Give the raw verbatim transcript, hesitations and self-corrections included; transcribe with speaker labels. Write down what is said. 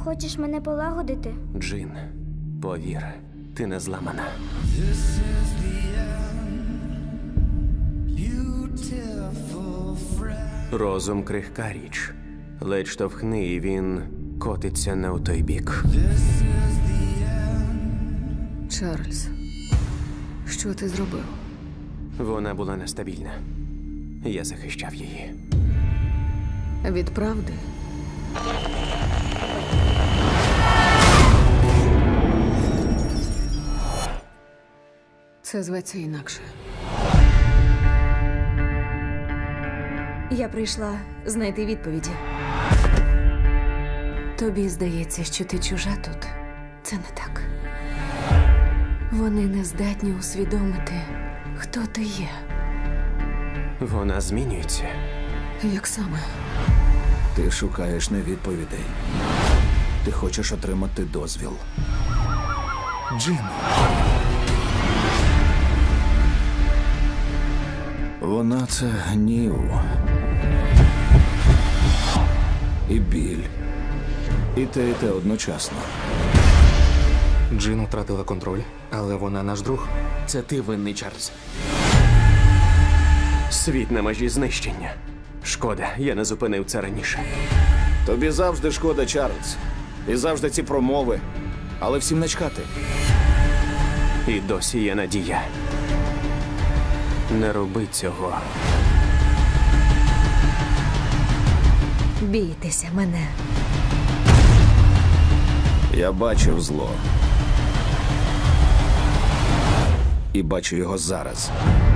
Speaker 1: Хочеш мене полагодити?
Speaker 2: Джин, повір, ти не зламана. Розум крихка річ. Ледь штовхни, і він котиться не у той бік.
Speaker 3: Чарльз, що ти зробив?
Speaker 2: Вона була нестабільна. Я захищав її.
Speaker 3: Від правди? Це зветься інакше.
Speaker 4: Я прийшла знайти відповіді. Тобі здається, що ти чужа тут. Це не так. Вони не здатні усвідомити, хто ти є.
Speaker 2: Вона змінюється.
Speaker 3: Як саме?
Speaker 5: Ти шукаєш не відповідей. Ти хочеш отримати дозвіл. Джин. Вона — це гнів. І біль. І те, і те одночасно.
Speaker 6: Джин втратила контроль, але вона наш друг.
Speaker 2: Це ти винний, Чарльз. Світ на межі знищення. Шкода, я не зупинив це раніше.
Speaker 5: Тобі завжди шкода, Чарльз. І завжди ці промови. Але всім начхати.
Speaker 2: І досі є надія. Не роби цього.
Speaker 4: Бійтеся мене.
Speaker 5: Я бачив зло. І бачу його зараз.